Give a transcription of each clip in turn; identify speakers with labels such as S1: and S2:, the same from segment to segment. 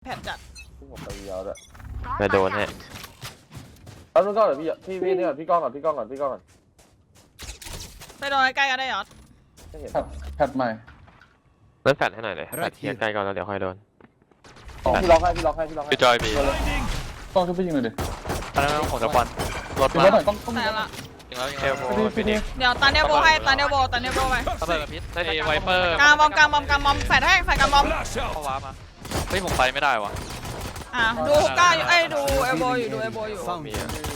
S1: แผดจัด
S2: ผมไปยาวด้วย
S3: ไปโดนฮะ
S2: ตอนนู้นก็เดี๋ยวพี่นี่ก่อนพี่ก้องก่อนพี่ก้องก่อน
S1: ไปโดนใกล้ๆกันได้หรอ
S2: ไม่เห็น
S4: แพทใหม่
S3: เล่นแฟดให้หน่อยเลยแฟดเทียใกล้ก่อนแล้วเดี๋ยวค่อยโดน
S2: พี่ล็อกให้
S5: พี่จอยบี
S4: ต้องช่วยพี่ยิงหน่อยดิ
S5: อันนั้นของตะวันรถ
S4: ยิง
S5: มา
S4: หน่อยต้อง
S1: แต่ละ
S5: จริงแล้วยังไง
S3: ฟินิก
S1: เดี๋ยวตาเนโบให้ตาเนโบไป
S5: ระเบิดกับพิษไอ้ไวเปอร์
S1: กลางบอมแฟดให้แฟดกลางบอม
S5: เข้าวาร์ปมาเฮ้ยผมไปไม่ได้วะ
S1: ดูฮุก้าอยู่ดูเอโบอยู่ดู
S3: มี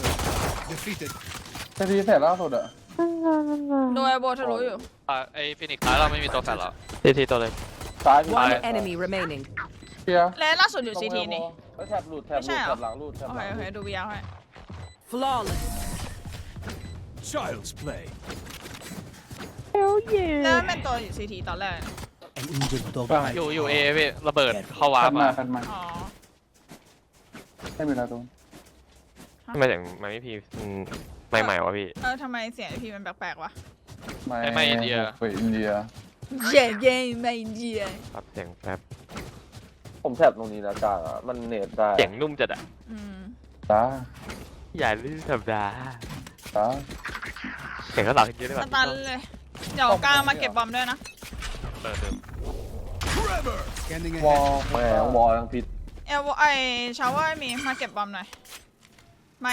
S4: แต่พี่แผลล่าสุดอะ
S1: ดูเอโบทะลุอยู่
S5: ไอ้ฟินิกส์ท้ายเราไม่มีตัวแฟลหรอ
S3: ทีตัวเลย
S2: ซ้าย
S6: One enemy remaining
S4: เพีย
S1: และล่าสุดอยู่ซีทีนี่
S2: แถบหลุดหลังหลุด
S1: โอเคดูวิวให้
S6: flawless
S7: Child's play
S1: แล้วเป็นตัวอยู่ซีทีตอนแรก
S7: An injured dog
S5: อยู่เอพี่ระเบิดเข้าวาร์ปมา
S1: อ๋อ
S4: ไม่มีแล้วตรง
S3: ทำไมถึงไม่พีใหม่วะพี่
S1: ทำไมเสียงพีมันแปลกๆวะ
S5: ไม่อินเดีย
S4: อินเดีย
S1: ไม่อินเดีย
S3: ปรับเสียงแป๊บ
S2: ผมแถบตรงนี้นะจ้ามันเน็ตได้
S3: เสียงนุ่มจัดอะ
S4: จ้า
S3: อย่าลืมสัปดาห์
S4: จ้า
S3: เสียงก็หลับทีเดียวได้แบบ
S1: ตันเลยเดี๋ยวกลางมาเก็บบอมด้วยนะ
S2: วอลแหมวอลยังผิด
S1: ชาวเวอร์มีมาเก็บบอมหน่อยไม่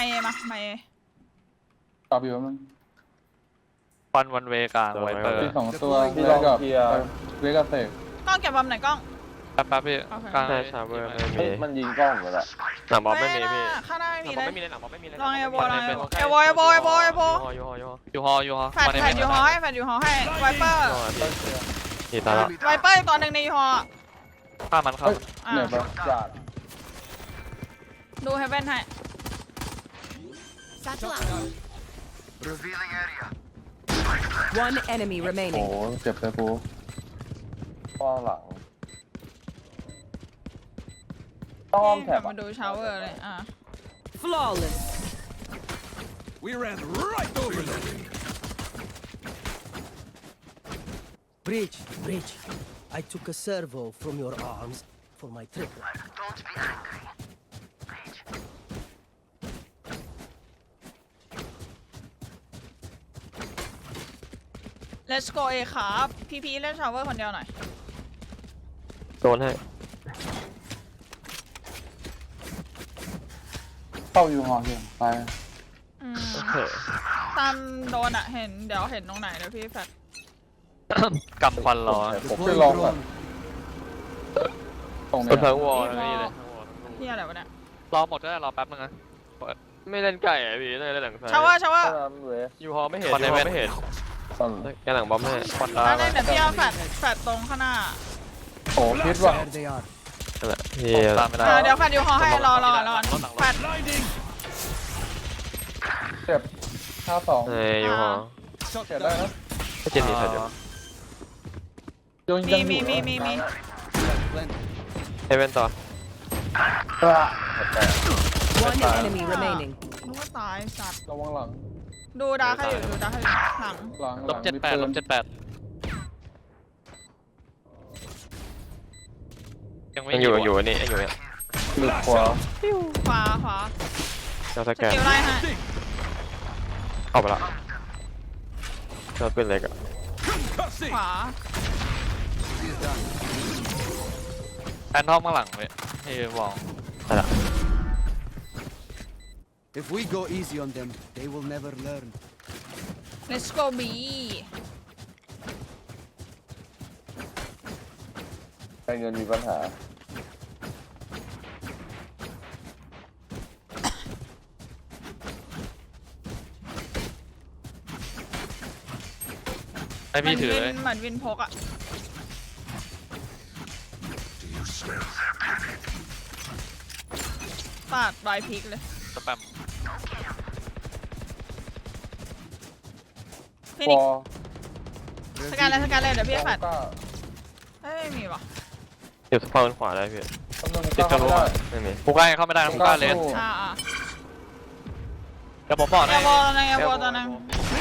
S4: ตอบอยู่มั้ง
S5: วันเวกลางไวเปอร์
S4: ที่2ตัวพี่เวกับเสก
S1: กล้องเก็บบอมหน่อยกล้อง
S5: แป๊บพี่กลาง
S3: ชาเวอร์
S2: มันยิงกล้องหมดละ
S3: หนังบอลไม่มีพี่
S1: ข้างหน้าไม่มีเลย
S3: หนังบอลไม่มีเลย
S1: ลองเอโบแฟดอยู่ฮอให้ไวเปอร์
S3: นี่ตาละ
S1: ไวเปอร์ตัวหนึ่งในยูฮอ
S5: ฆ่ามันเข้า
S4: เนี่ยปะ
S2: จ้า
S1: ดูเฮเว่นให้
S6: One enemy
S4: โอ้
S6: remaining
S4: เจ็บเลยปู
S2: ป้องหลังต้องแถบ
S1: มาดูชาวเวอร์เลย
S6: flawless
S7: We ran right over them
S8: Breach I took a servo from your arms for my triple
S9: Don't be angry
S1: Let's go เอครับพี่เล่นชาวเวอร์คนเดียวหน่อย
S3: โดนให้
S4: เข้าอยู่หอเหี่ยไป
S1: ตามโดนเห็นเดี๋ยวเห็นตรงไหนเดี๋ยวพี่แฟด
S5: กำควันรอ
S4: ผมจะลองก่อนตรงนี้
S3: ทั้งวอลนี่เลย
S1: ที่อะไรวะเนี่ย
S5: รอหมดก็ได้รอแป๊บนึงนะ
S3: ไม่เล่นไก่อะพี่เล่นหลัง
S1: ชาวเวอร์
S3: ยูฮอไม่เห็นแกหลังบอมให้
S5: ควัน
S1: แล้วเดี๋ยวพี่เอาแฟดตรงข้างหน้า
S4: โอ้พิษว่ะ
S3: นั่นแหละพี่
S1: เดี๋ยวแฟดยูฮอให้รอแฟด
S4: เจ็บ52
S3: ยูฮอ
S4: เจ็บได้นะ
S3: ไม่เจนนี่แฟดอยู่
S1: มี
S3: เฮเว่นต่อ
S6: One enemy remaining
S1: นึกว่าตายสัตว์
S4: ระวังหลัง
S1: ดูดาให้อยู่หลัง
S5: ลบ78
S3: ยังอยู่นี่ยังอยู่เนี่ย
S4: หลุดขวา
S3: เราสแกน
S1: สกิลไล่ให้
S3: เอาไปละเราเป็นเล็กอะ
S1: ขวา
S5: แอนทอมข้างหลังเลยให้วอง
S3: อะไร
S8: If we go easy on them they will never learn
S1: Let's go B
S2: การเงินมีปัญหา
S5: ให้พี่ถือเลย
S1: เหมือนวินพกอะปาดลายพิกเลย
S5: สแปม
S1: ฟินิกสแกนเลยเดี๋ยวพี่แฟดไม่มีวะ
S3: อยู่สปอนขวาได้พี่
S4: ติดกันรู้
S3: ไม่มี
S5: ผู้กล้าเข้าไม่ได้ผู้กล้าเลนเดี๋ยวผมบอกนะ
S1: เอโบตัวนึง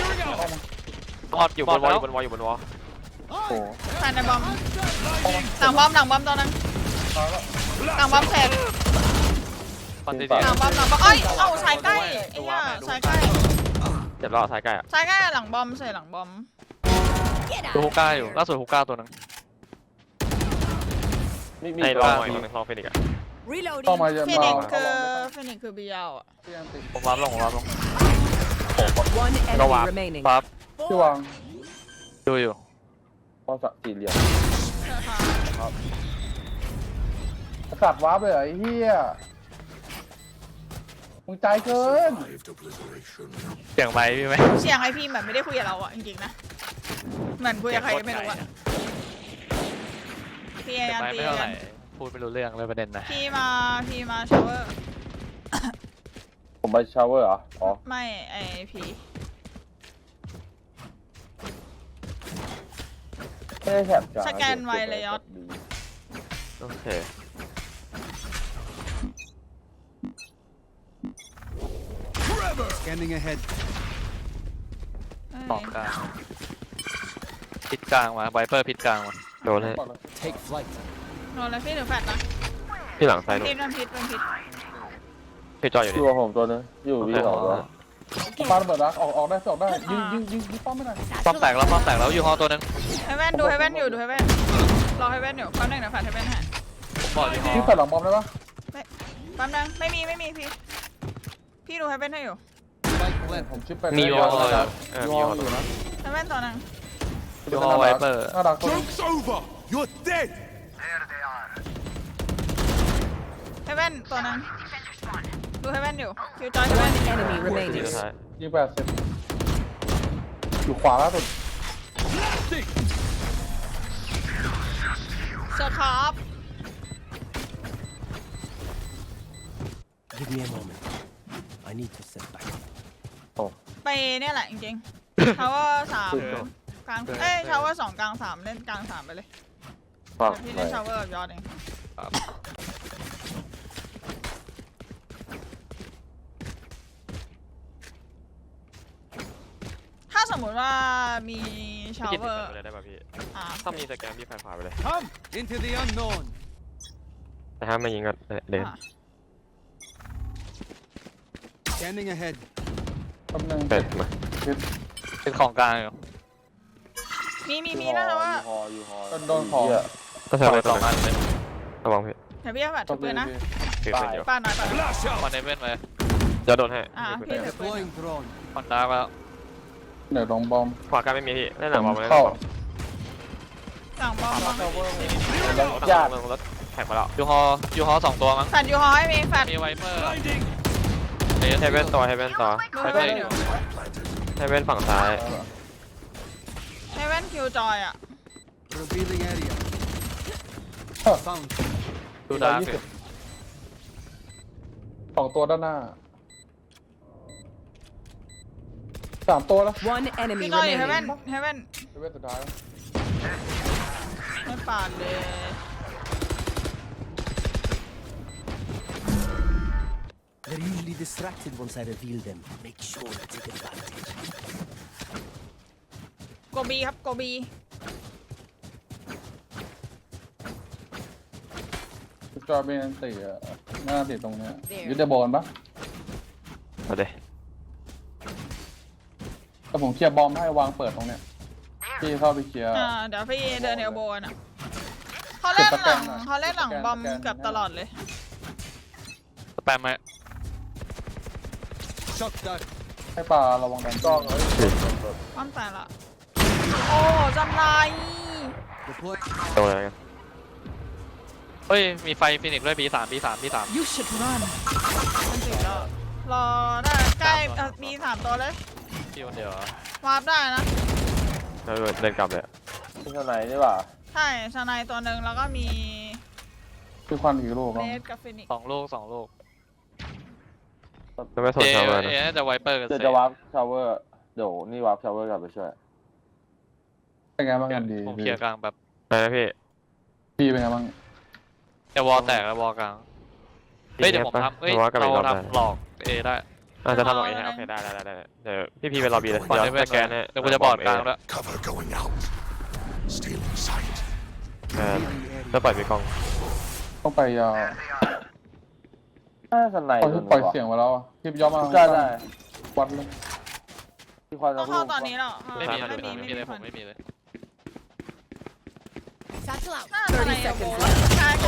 S3: อยู่บนวอล
S1: แฟนในบอมหลังบอมตัวนึงกลางบอมเสร็จ
S5: คอนติ
S1: กลางบอมหลังบอมเอ้ยเอ้าสายใกล้ไอ้เหี้ยสายใกล้
S3: เจ็บแล้วสายใกล้อะ
S1: สายใกล้หลังบอมใส่หลังบอม
S5: ดูฮุก้าอยู่ล่าสุดฮุก้าตัวนึง
S2: มี
S3: ไอ้
S2: ตัว
S3: ลอง
S2: มี
S3: อีกตัวนึงลองเฟนิกซ์อะ
S6: Reloading.
S4: ต้องมาเยอะ
S1: ฟิ
S4: มา
S1: นิ
S4: ก
S1: กคือฟินิกคือบียาวอ่ะ
S4: ที่ยังติด
S5: ผมวาร์ปลง
S6: One enemy
S3: Go up.
S6: remaining.
S5: ปั๊บ
S4: ที่วาง
S5: ดูอยู่
S2: พอสักสี่เหลี่ยม
S4: สัตว์วาร์ปเลยเหรอไอ้เหี้ยมึงใจเกิน
S7: Survived obliteration.
S5: เสียงไมค์พี่ไหม
S1: เสียงไอพี่แบบไม่ได้คุยกับเราอ่ะจริงๆนะเหมือนคุยกับใครก็ไม่รู้อ่ะพี่
S5: เสียง
S1: ยัน
S5: ไมค์
S1: ตี
S5: ไม่เท่าไห
S1: กั
S5: ร่
S1: น
S5: พูดไม่รู้เรื่องเลยประเด็นนะ
S1: พี่มาชาวเวอร์
S2: ผมไปชาวเวอร์เหรออ๋อ
S1: ไม่ไอพี
S2: ไม่ได้แถบจ้า
S1: สแกนไวเลยยอด
S3: โอเค
S7: Scanning ahead.
S5: สองกลางพิดกลางมาไวเปอร์พิดกลางมา
S3: โดนให้
S7: Take flight.
S1: โดนเลยพี่หรือแฟดนะ
S3: พี่หลังซ้ายโดน
S1: พิษมันพิษ
S3: พี่จอยอยู่
S2: อ
S3: นี่
S2: ยู่กับผมตัวนึงอยู่วีสองตัว
S4: ปาระเบิดรักออกได้ออกได้ยิงป้อมไม่ได้
S5: ป้อมแตกแล้วอยู่ฮอตัวนึง
S1: ให้แว่นดูให้แว่นอยู่ดูให้แว่นรอให้แว่นอยู่แป๊บนึงนะแฟดให้แว่นให้
S5: ผมบอกอยู่ฮอ
S4: ที่ใส่หลังบอมได้ปะ
S1: แป๊บนึงไม่มีพี่ดูให้แว่นให้อยู่
S7: Spike plant.
S4: ผมชิปไป
S3: มี
S4: ยู
S3: วอล
S4: อ
S3: เลยมีวอล
S4: อยู่นะ
S1: ให้แว่นตัวนึง
S5: อยู่ฮอไวเปอร์
S4: น่ารักตัว
S7: Joke's over. You're dead.
S1: ให้แว่นตัวนึงดูให้แว่นอยู่คิวจอยให้แว่น
S6: One enemy
S3: ที
S6: remaining.
S3: สุดท้าย
S4: ยิง80อยู่ขวาล่าสุด
S7: Blasting.
S1: เซอร์ครับ
S8: Give me a moment. I need to step back.
S1: ไปเนี่ยแหละจริงๆ ทาวเวอร์3กลางทาวเวอร์2กลาง3เล่นกลาง3ไปเลย
S2: ฟัง
S1: พี่เล่นทาวเวอร์ยอดเองถ้าสมมุติว่ามีชาว
S3: พี่
S1: เวอร์
S3: ไปเลยได้ป่ะพี่
S1: อ่า
S3: ถ้ามีสแกนพี่แฟนฝ่าไปเลย
S7: Come into the unknown.
S3: แต่ถ้าไม่ยิงก็เดิน
S7: Scanning ahead.
S4: แป๊บนึง
S3: เป็ดมา
S5: เป็นของกลางอยู่
S1: มีนะว่า
S2: ยูฮอ
S4: โดนของ
S3: ก็ใช้
S5: ปล่
S3: ไป
S5: อย
S3: ส
S5: ส
S3: อ
S5: อง งอันเลย
S3: ระวังพี่
S1: เดี๋ยวพี่จะแบบถือปืนนะ
S3: ถือเป็นอยู่
S1: ป้าหน่อย
S7: Flash
S5: คอน
S7: out.
S5: เนเว่นไป
S3: จะโดนให้
S1: พี่ถือปืน
S7: Deploying drone.
S5: คอนดาร์กแล้ว
S4: เดี๋ยวลงบอม
S3: ขวากันไม่มีพี่เล่นหลังบอลมาเล่น
S4: เข้า
S1: หลังบอม
S2: ญาติ
S3: รถแข่งมาแล้ว
S5: อยู่ฮอ2ตัวมั้ง
S1: แฟดยูฮอให้มีแฟด
S5: มีไวเปอร์
S7: Blinding.
S3: เฮเว่นต่อเฮเว่นต่อ
S1: ดูให้แว่นอยู่
S3: เฮเว่นฝั่งซ้าย
S1: ให้แว่นคิวจอยอ่ะ
S7: Revealing area. Found.
S5: ดูดาร์กอยู่
S4: 2ตัวด้านหน้า3ตัวแล้ว
S6: One enemy
S1: พี่จอยอยู่ให้แว่น
S6: remaining.
S1: ให้แว่น
S4: เว้นสุดท้าย
S1: ไม่ปาดเลย
S8: They're usually distracted once I reveal them. Make sure to take advantage.
S1: โกบีครับโกบี
S4: จอเป็นตีหน้าติดตรงเนี้ยยึดได้บอลปะ
S3: เอาเดี๋ยว
S4: แต่ผมเคลียร์บอมให้วางเปิดตรงเนี้ยพี่เข้าไปเคลียร์
S1: เดี๋ยวพี่เดินเอลโบนอ่ะเขาเล่นหลังบอมเกือบตลอดเลย
S5: สแปมไหม
S7: Shot that.
S4: ให้ปลาระวังดัน
S2: กล้องเอ้ย
S1: ป้อมตายละโอ้จำไร
S7: Deploy.
S3: โดนอะไรกัน
S5: เฮ้ยมีไฟฟินิกซ์ด้วย B3
S6: You should run.
S1: มันติดแล้วรอได้ใกล้มี3ตัวเลย
S5: ที่คนเดียว
S1: วาร์ปได้นะ
S3: แล้วเดินกลับเลย
S2: ที่ข้างในนี่หว่า
S1: ใช่ชาไนตัวหนึ่งแล้วก็มี
S4: คือควันอีกลูก
S1: เนสกับฟินิก
S5: 2 ลูก
S3: จะไม่สนชาวเลยนะ
S5: น่าจะไวเปอร์กับ
S2: เดี๋ยว
S5: เซ
S2: จะวาร์ปชาวเวอร์เดี๋ยวนี่วาร์ปชาวเวอร์กลับไปช่วย
S4: เป็นไงบ้างกันดี
S5: ผมเคลียร์กลางแบบ
S3: ไปนะพี่
S4: พี่เป็นไงบ้าง
S5: จะวอลแตกแล้ววอลกลางเฮ้ยเดี๋ยวผมทำเฮ้ย
S3: ว่ากัน
S5: เรา
S3: อีกรอบได้
S5: ทำหลอกเอได้
S3: จะทำหรอกเองโอเคได้เดี๋ยวพี่เป็นล็อบบี้เลย
S5: คอน
S3: เดี๋ยว
S5: เนเว่น
S3: สแกนให้
S5: เดี๋ยวกูจะบอดกลางแล้ว
S7: Cover going out. Stealing sight.
S3: จะปล่อยพี่กอง
S4: ผต้องไปยาว
S2: น่าสไน
S4: เขาปล่อยเสียงไว้แล้วอะพี่ย้อมมา
S2: ได้ได้
S4: วัดเลย
S2: ที่ควัน
S1: ต้องเข้าตอนนี้แล้ว
S5: ไม่มีเลยผมไม่มีเลย
S6: Satchel out.
S1: น่าจะในโบใช่ใช่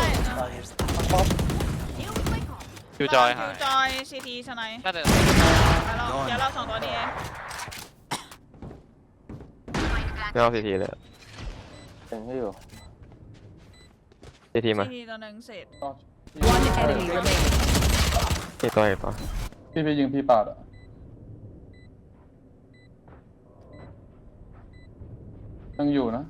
S6: Deal with my call.
S5: คิวจอยหาย
S1: จอยซีทีสไน
S5: น่าจะ
S1: เดี๋ยวเรา2ตัวนี้เอง
S3: ไม่เอาซีทีเลย
S2: เห็นให้อยู่
S3: ซีทีมา
S1: ซีทีตัวหนึ่งเสร็จ
S6: One enemy remaining.
S3: อีกตัวอีกตัว
S4: พี่ยิงพี่ปาดอะยังอยู่นะ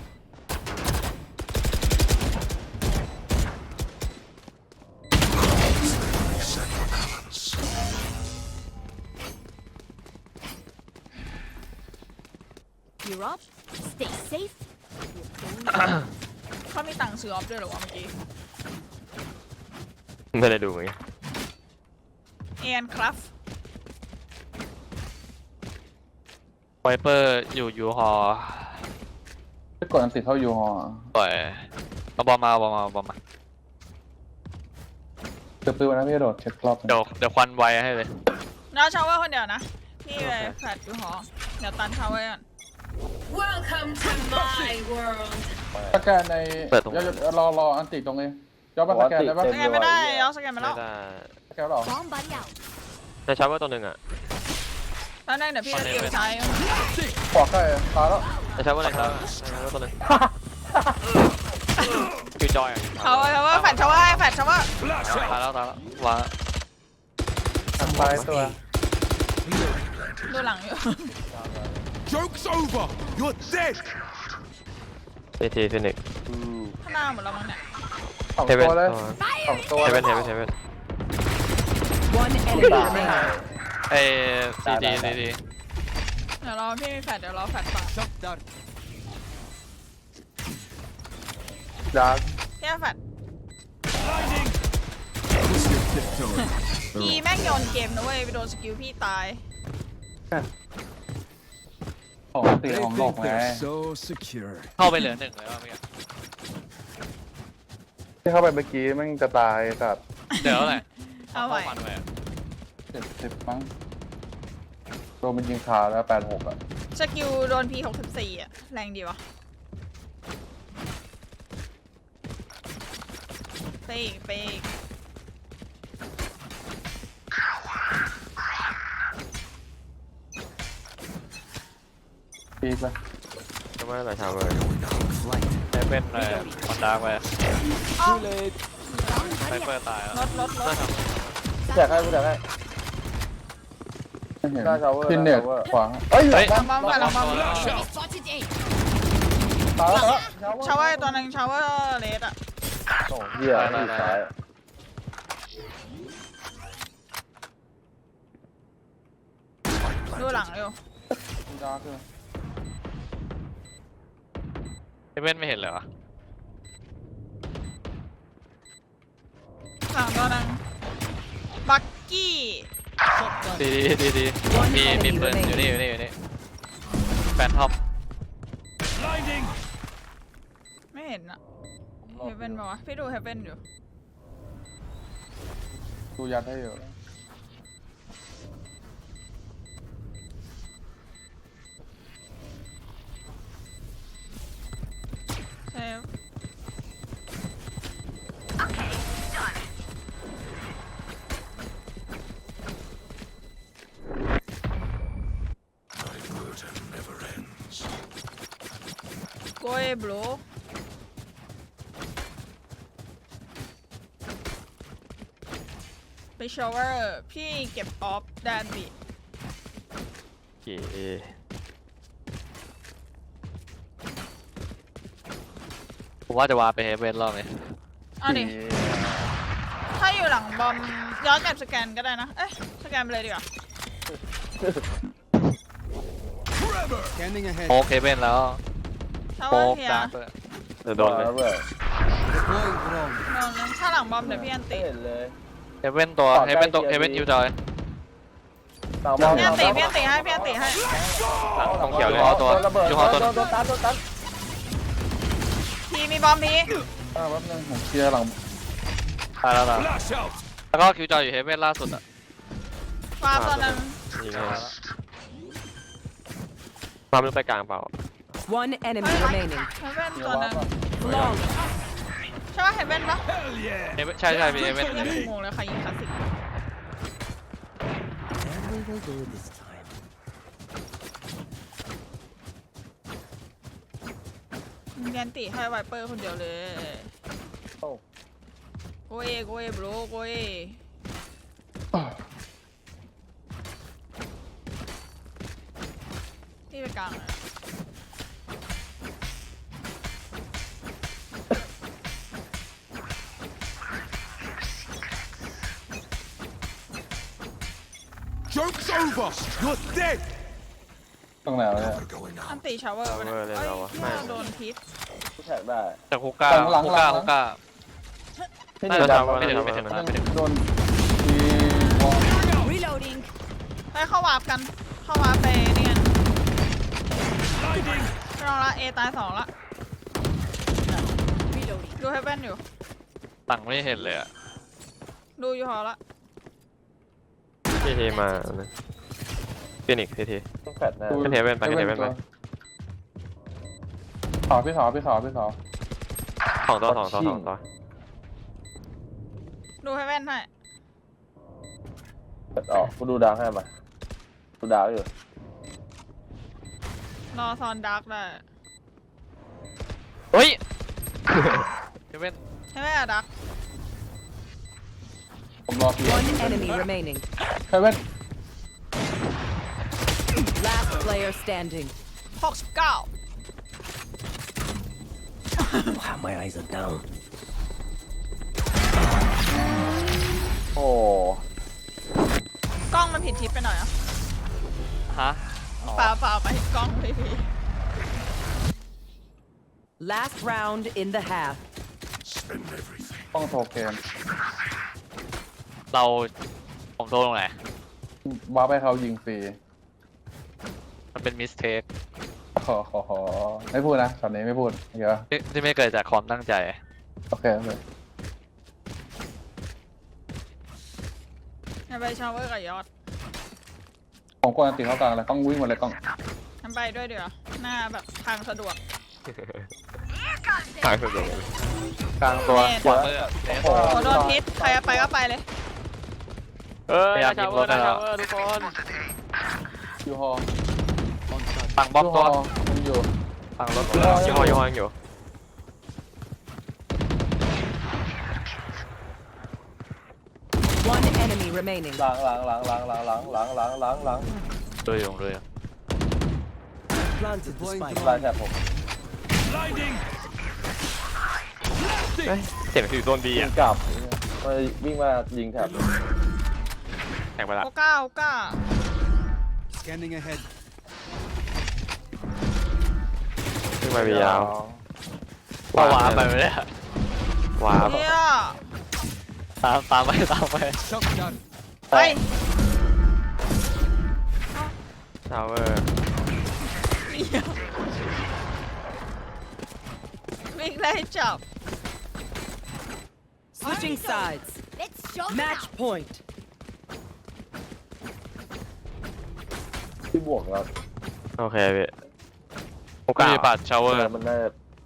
S6: You're up. Stay safe.
S1: เขามีตังค์ซื้อออฟด้วยเหรอวะเมื่อกี้
S3: ไม่ได้ดูเหมือนกัน
S1: เอ็นครับ
S5: ไวเปอร์อยู่ยูฮอ
S4: ถ้ากดอันติดเข้ายูฮอ
S5: ปล่อยเอาบอลมา
S4: เตือนปืนวันนั้นพี่โดดเช็ครอบ
S5: เดี๋ยวควันไวให้เลย
S1: น้าชาวเวอร์คนเดียวนะพี่ไปแฟลตอยู่หอเดี๋ยวตันชาวเวอร์ก่อน
S6: Welcome to my world.
S4: สแกนในรออันติดตรงนี้ย้อมมาสแกนได้ปะ
S1: สแกนไม่ได้ย้อนสแกนไป
S3: ไม่
S1: แล้ว
S3: ได้
S4: สแกนหรอ
S6: Bomb buddy out.
S3: แต่ชาร์เวอร์ตัวหนึ่งอ่ะ
S1: ตอนแรกเดี๋ยวพี่จะเก็บใช้
S4: ขวาใกล้ตายแล้ว
S3: แต่ชาร์เวอร์อะไรครับชาร์เวอร์ตัวหนึ่งคิวจอยอ่ะ
S1: ชาวเวอร์แฟลตชาวเวอร์แฟลตชาวเวอร์
S7: Flash
S5: ตาย
S7: out.
S5: แล้ววาง
S4: ทำไปตัว
S1: ดูหลังอยู่
S7: Joke's over. You're dead.
S3: ซีทีฟินิก
S1: ข้างหน้าหมดแล้วมั้งเนี่ย
S4: สอง
S3: เฮเว่น
S4: ตัวเลย
S3: ตัว
S4: สองตัว
S3: เฮ
S4: เล
S3: เว่
S4: ย
S3: นเฮเว่นเฮเว่น
S6: One enemy remaining.
S5: เอ้ซีดี
S1: เดี๋ยวรอพี่มีแฟลตเดี๋ยวรอแฟลตก่อน
S7: Shut down.
S4: ดาร์ก
S1: พี่เอาแฟลต
S7: Blinding.
S1: พี่แม่งโยนเกมนะเว้ยไปโดนสกิลพี่ตาย
S4: ของตี
S7: They
S4: ของโลก
S7: think
S4: ไง
S7: they're so secure.
S5: เข้าไปเหลือ1เลยว่าเมื่อกี้
S4: ที่เข้าไปเมื่อกี้มันจะตายกับ
S5: เดี๋ยวอะไร
S1: เอาไว้
S5: ควันไว้
S4: 70มั้งโดนมันยิงขาแล้ว86อ่ะ
S1: สกิลโดนพี64อ่ะแรงดีวะไปอีกไปอีก
S4: ปีกไป
S3: ชาร์เวอร์อะไรชาร์เวอร์
S5: ได้เป็นคอนดาร์กไป
S1: เอ้า
S5: ไวเปอร์ตายแล้ว
S1: รถ
S2: แจกให้กูแจกให้
S4: ไม่เห็น
S2: หน้า shower
S4: พินเน็ต
S2: หน้า shower
S4: ขวาเอ้ย
S5: เฮ้ย
S1: ลองบ้างก่อนลองบ้าง
S6: Enemy spotted A.
S4: ตายแล้ว
S1: ชาวเวอร์ตัวหนึ่งชาวเวอร์เลสอ่ะ
S2: โอ้เหี้ยที่ซ้าย
S1: ดูหลังอยู่
S4: ดาร์กเลย
S5: เฮเว่นไม่เห็นเลยวะ
S1: หลังตัวหนึ่งบักกี้
S5: ดีมีปืนอยู่นี่แฟนทอม
S7: Blinding.
S1: ไม่เห็นอะเฮเว่นปะวะพี่ดูเฮเว่นอยู่
S4: ดูยัดให้อยู่
S1: เซฟ โกยบลูไปชาวเวอร์พี่เก็บออฟแดนบิ
S3: กี่
S5: ผมว่าจะวาไปเฮเว่นรอบนี้
S1: เอาดิถ้าอยู่หลังบอมย้อนกลับสแกนก็ได้นะ เอ๊ะสแกนไปเลยดีกว่า
S7: Trevor. Scanning ahead.
S5: โมกเฮเว่นแล้ว
S1: ชาว
S5: โม
S1: เวอร์
S5: ก
S1: เฮีย
S5: ดาร์กเลย
S3: เดี๋ยวโดนเลย
S2: เว้ย
S7: Deploying drone.
S1: โดนเลยถ้าหลังบอมเดี๋ยวพี่อัน
S2: ไม่
S1: ติ
S2: เห็นเลย
S5: เฮเว่นเฮเว่นยูจอย
S2: ต่างบ้าน
S1: พี่อันติให้พี่อันติให้
S3: ต้องเขียวเลย
S2: ระเบิดโดนตัน
S1: พี่มีบอมพี่
S4: แป๊บนึงผมเคลียร์หลัง
S5: ตายแล้วนะ
S7: Flash out.
S5: แล้วก็คิวจอยอยู่เฮเว่นล่าสุดอ่ะ
S1: ฟาร์มตอนนั้น
S3: ยิงเลยมาไม่รู้ไปกลางเปล่า
S6: One enemy remaining.
S1: เฮเว่นตอนนั้น
S6: Flawless.
S1: ใช่ป่ะเฮเว่นปะ
S7: Hell yeah.
S5: เฮเว่นใช่มีเฮเว่น
S1: ยังถูกโมงเลยใครยิงคลาสสิก
S8: And we will do this time.
S1: แกนติให้ไวเปอร์คนเดียวเลย
S2: โอ้
S1: โกเอบรูโกเอที่ไปกลางอะ
S7: Joke's over. You're dead.
S4: ตรงไหนวะเนี่ย
S7: Going
S1: อั
S7: out.
S1: นติชาวเวอร์ไป
S3: ชาวเวอร์เลย
S1: เอ้ย
S3: เราอะ
S1: ที่ว่าโดนพิษ
S2: แท็กได้
S5: จากฮุกก้า
S4: หลัง
S5: ฮุกก้า
S4: หลัง
S5: ฮุกก้า
S2: พี่
S5: น่า
S2: เดียว
S5: จะ
S2: ดำ
S5: ไม่ถึงไม่ถึงนะไม่ถึง
S4: โดนทีวอล
S6: Reloading.
S1: ให้เข้าวาร์ปกัน เข้าวาร์ปไปนี่กัน
S7: Blinding.
S1: ไปลองละเอตาย2ละ
S6: Reloading.
S1: ดูเฮเว่นอยู่
S5: ตังไม่เห็นเลยอ่ะ
S1: ดูอยู่หอละ
S3: ทีทีมาฟินิกทีที
S2: ต้องแฟดแน่
S3: ขึ้นเฮเว่นไปขึ้นเฮเว่นไป
S4: พี่สอ
S3: สองตัว
S1: ดูเฮเว่นให้
S2: แฟดออกกูดูดาวให้มาดูดาวอยู่
S1: รอซอนดาร์กได้
S5: เฮ้ยเฮเว่น
S1: เฮเว่นอะดาร์ก
S4: ผมรอพี่
S6: One enemy remaining.
S4: เฮเว่น
S6: Last player standing.
S1: 69
S8: Wow, my eyes are down.
S2: โอ้
S1: กล้องมันผิดทิศไปหน่อยอ่ะ
S5: ฮะ
S1: เปล่าไปกล้องพี่พี
S6: Last round in the half.
S7: Spend everything.
S4: ต้องโทเกม
S5: ผมโดนตรงไหน
S4: ว้าไปเขายิงฟรี
S5: มันเป็นมิสเทค
S4: ขอไม่พูดนะตอนนี้ไม่พูดเยอะ
S5: ที่ไม่เกิดจากความตั้งใจ
S4: โอเค
S1: งั้นไปชาวเวอร์กับยอด
S4: ผมกดอันติเข้ากลางเลยต้องวิ่งหมดเลยกล้อง
S1: งั้นไปด้วยเดี๋ยวาหน้าแบบทางสะดวก
S3: ทางสุดเลย
S5: กลางตัว
S1: แน่
S5: ขวามือ
S1: โอ้โดนพิษใครจะไปก็ไปเลย
S5: พยายามยิงรถได้แล้วทุกคน
S4: ยูฮอ
S5: ฝั่งบล็อกตัว
S4: มันอยู่
S5: ฝั่งรถ
S3: ยี่ห้อยังอยู่
S6: One enemy remaining.
S2: หลัง
S5: ด้วยอยู่ด้วย
S8: Planted the spike.
S2: ลายแท็บผม
S7: Blinding.
S3: เสียงคือโดนบี
S2: ยิ
S3: อ่ะ
S2: งกลับมาวิ่งมายิงแท็บ
S3: แข่งไปละ
S1: โอก้า
S7: Scanning ahead.
S3: ขึ้นมาบียาว
S5: ว้าวไปเลย
S3: ว้าว
S1: เนี่ย
S5: ตามไป
S7: Shotgun.
S1: ไป
S3: ทาวเวอร์
S1: วิ่งไล่จับ
S6: Switching sides. Let's show Match point.
S2: ที่บวกแล้ว
S3: โอเคพี่โอ
S5: กู
S3: กา
S5: มี
S3: ส
S5: ปัดชาวเวอร์
S2: มันน่า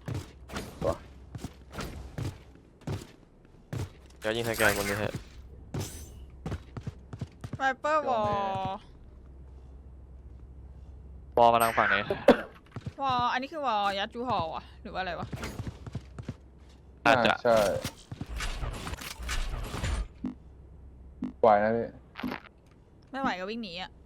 S3: เดี๋ยวยิงไฮแกนบนนี้ฮะ
S1: ไวเปอร์วอล
S5: บอลมาทางฝั่งนี้
S1: วอลอันนี้คือวอลยัดจูหอวะหรือว่าอะไรวะ
S5: อาจจะ
S4: ใช่ไหวนะพี่
S1: ไม่ไหวก็วิ่งหนีอ่ะ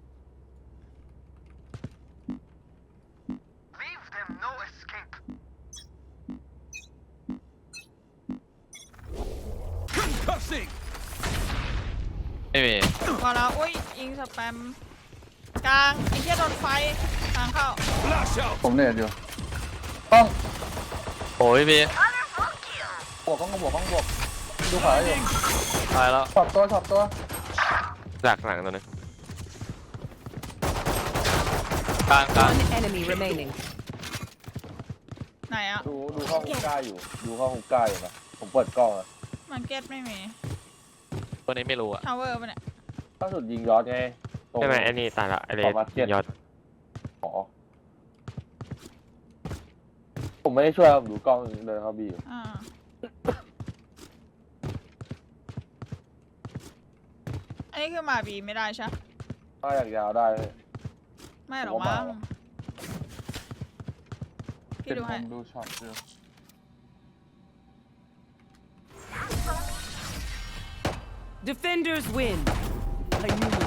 S7: Concussing.
S5: ไม่มี
S1: พอแล้วอุ้ยยิงสแปมกลางไอ้เหี้ยโดนไฟทางเข้า
S7: Flash out.
S4: ผมเน็ตอยู่ต้อง
S5: โอ้ยพี่
S4: บวกดูขวาอยู่
S5: ตายแล้ว
S4: ช็อตตัว
S3: จากหลังตัวนึง
S5: กลาง
S6: One enemy remaining.
S1: ไหนอ่ะ
S2: ดูเข้าฮุกก้าอยู่นะผมเปิดกล้องอะ
S1: มาร์เก็ตไม่มี
S5: ตัวนี้ไม่รู้อะ
S1: ทาวเวอร์ปะเนี่ย
S2: ล่าสุดยิงยอดไงตรง
S3: ใช่ไหมไอ้นี่ตายละไอเลส
S2: ขอมาร์เก็ต
S3: ยอด
S2: ขอผมไม่ได้ช่วยผมดูกล้องเดินเข้าบีอยู่
S1: อ่าอันนี้คือมาบีไม่ได้ใช่ปะ
S2: ถ้าอยากยาวได้เลย
S1: ไม่หรอกมั้งพี่
S4: เป็น
S1: ดู
S4: ผ
S1: ให้
S4: มดูช็อตเดียว
S6: Defenders win.
S8: I knew you